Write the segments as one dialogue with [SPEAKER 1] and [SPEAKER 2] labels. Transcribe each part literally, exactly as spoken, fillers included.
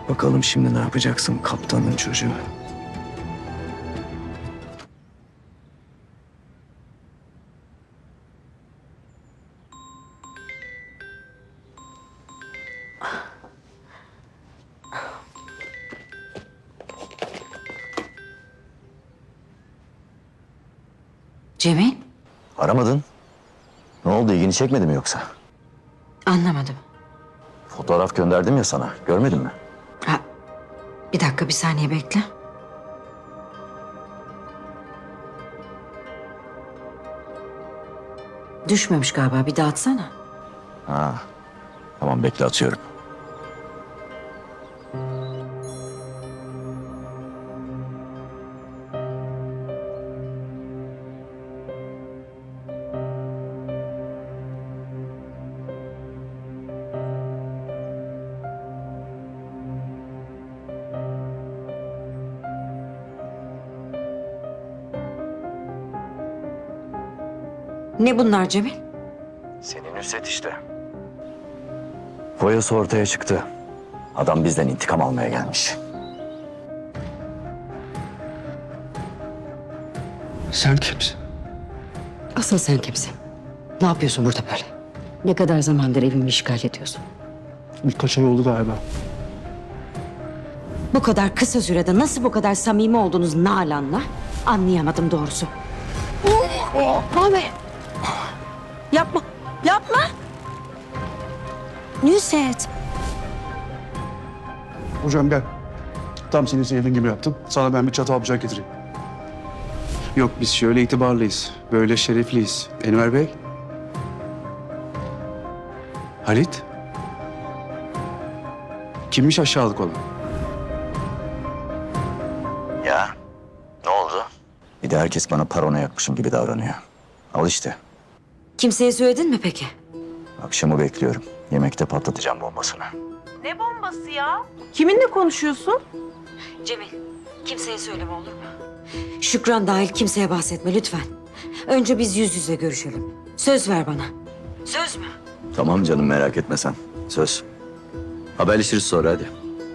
[SPEAKER 1] Bakalım şimdi ne yapacaksın kaptanın çocuğu?
[SPEAKER 2] Cemil,
[SPEAKER 3] Aramadın. Ne oldu, ilgini çekmedi mi yoksa?
[SPEAKER 2] anlamadım.
[SPEAKER 3] Fotoğraf gönderdim ya sana, görmedin mi?
[SPEAKER 2] Ha, bir dakika, bir saniye bekle. Düşmemiş galiba, bir daha atsana.
[SPEAKER 3] Ha, tamam bekle, atıyorum.
[SPEAKER 2] Ne bunlar Cemil?
[SPEAKER 3] Senin Nusret işte. Boyası ortaya çıktı. Adam bizden intikam almaya gelmiş.
[SPEAKER 1] Sen kimsin?
[SPEAKER 2] Asıl sen kimsin? Ne yapıyorsun burada böyle? Ne kadar zamandır evimi işgal ediyorsun?
[SPEAKER 1] Birkaç ay oldu galiba.
[SPEAKER 2] Bu kadar kısa sürede nasıl bu kadar samimi oldunuz Nalan'la? Anlayamadım doğrusu. Abi. Yapma. Yapma. Nusret.
[SPEAKER 4] Hocam gel. Tam senin sevdiğin gibi yaptım. Sana ben bir çatal bıçak getireyim. Yok biz şöyle itibarlıyız. Böyle şerefliyiz. Enver Bey. Halit. Kimmiş aşağılık olan?
[SPEAKER 3] Ya, ne oldu? Bir de herkes bana parona yakmışım gibi davranıyor. Al işte,
[SPEAKER 2] Kimseye söyledin mi peki?
[SPEAKER 3] akşamı bekliyorum. Yemekte patlatacağım bombasını.
[SPEAKER 5] Ne bombası ya? Kiminle konuşuyorsun?
[SPEAKER 2] Cemil, kimseye söyleme olur mu? Şükran dahil kimseye bahsetme lütfen. Önce biz yüz yüze görüşelim. Söz ver bana. Söz mü?
[SPEAKER 3] Tamam canım, merak etme sen. Söz. Haberleşiriz sonra, hadi.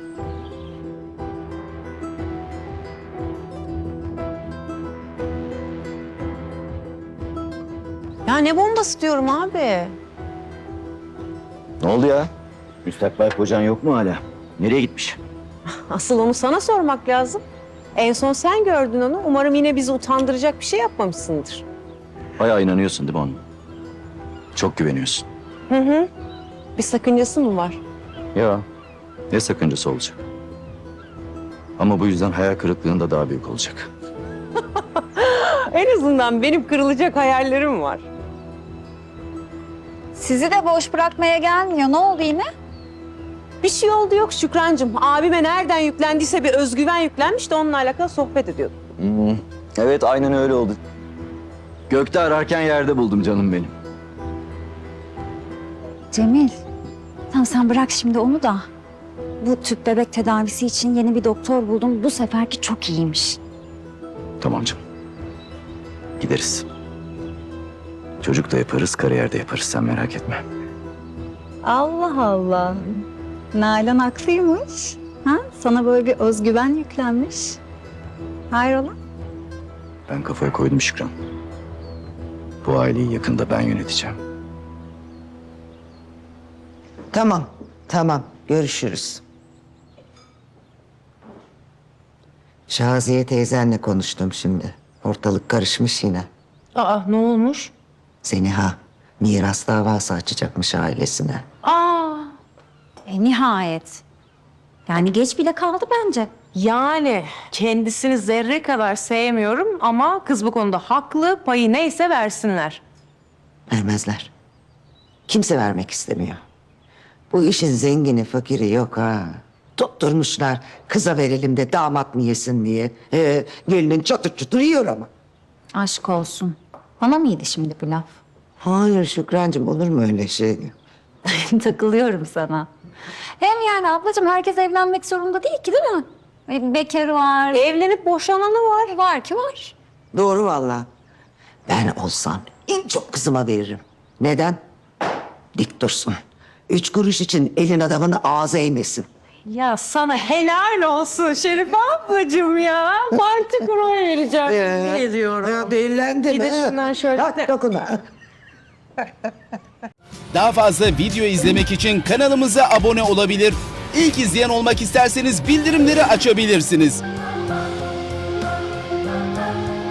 [SPEAKER 5] Ya ne bombası diyorum abi?
[SPEAKER 3] Ne oldu ya? Müstakbel kocan yok mu hala? Nereye gitmiş?
[SPEAKER 5] Asıl onu sana sormak lazım. En son sen gördün onu. Umarım yine bizi utandıracak bir şey yapmamışsındır.
[SPEAKER 3] Bayağı inanıyorsun değil mi onun? Çok güveniyorsun.
[SPEAKER 5] Hı hı. Bir sakıncası mı var?
[SPEAKER 3] Ya, ne sakıncası olacak? Ama bu yüzden hayal kırıklığında daha büyük olacak.
[SPEAKER 5] En azından benim kırılacak hayallerim var.
[SPEAKER 6] Sizi de boş bırakmaya gelmiyor. Ne oldu yine?
[SPEAKER 5] Bir şey oldu yok Şükrancığım. Abime nereden yüklendiyse bir özgüven yüklenmiş de onunla alakalı sohbet ediyorduk.
[SPEAKER 3] Hmm, evet, aynen öyle oldu. Gökte ararken yerde buldum canım benim.
[SPEAKER 6] Cemil, tamam sen bırak şimdi onu da. Bu tüp bebek tedavisi için yeni bir doktor buldum. Bu seferki çok iyiymiş.
[SPEAKER 3] Tamam canım. Gideriz. Çocuk da yaparız, kariyer de yaparız. Sen merak etme.
[SPEAKER 6] Allah Allah. Nalan haklıymış. Ha? Sana böyle bir özgüven yüklenmiş. Hayrola?
[SPEAKER 3] Ben kafaya koydum Şükran. Bu aileyi yakında ben yöneteceğim.
[SPEAKER 7] Tamam, tamam. Görüşürüz. Şaziye teyzenle konuştum şimdi. Ortalık karışmış yine.
[SPEAKER 5] Aa ne olmuş?
[SPEAKER 7] Zeniha miras davası açacakmış ailesine.
[SPEAKER 5] Aa
[SPEAKER 6] E, nihayet. Yani geç bile kaldı bence.
[SPEAKER 5] yani kendisini zerre kadar sevmiyorum ama kız bu konuda haklı. Payı neyse versinler.
[SPEAKER 7] Vermezler. Kimse vermek istemiyor. Bu işin zengini fakiri yok ha. Tutturmuşlar kıza verelim de damat mı yesin diye. Ee, gelinin çatır çutur yiyor ama.
[SPEAKER 6] Aşk olsun. Bana mıydı şimdi bu laf?
[SPEAKER 7] Hayır Şükrancığım, olur mu öyle şey?
[SPEAKER 6] Takılıyorum sana. Hem yani ablacığım herkes evlenmek zorunda değil ki değil mi? E, Bekar var.
[SPEAKER 5] Evlenip boşananı var.
[SPEAKER 6] Var ki var.
[SPEAKER 7] Doğru vallahi. Ben olsam en çok kızıma veririm. Neden? Dik dursun. Üç kuruş için elin adamını ağza eğmesin.
[SPEAKER 5] Ya sana helal olsun Şerife ablacığım ya. Parti kuraya vereceğim.
[SPEAKER 7] Ee,
[SPEAKER 5] Ne diyorum.
[SPEAKER 7] Ya değillendin.
[SPEAKER 5] Bir de
[SPEAKER 7] ha?
[SPEAKER 5] şundan şöyle-
[SPEAKER 7] Hadi dokunma.
[SPEAKER 8] Daha fazla video izlemek için kanalımıza abone olabilir. İlk izleyen olmak isterseniz bildirimleri açabilirsiniz.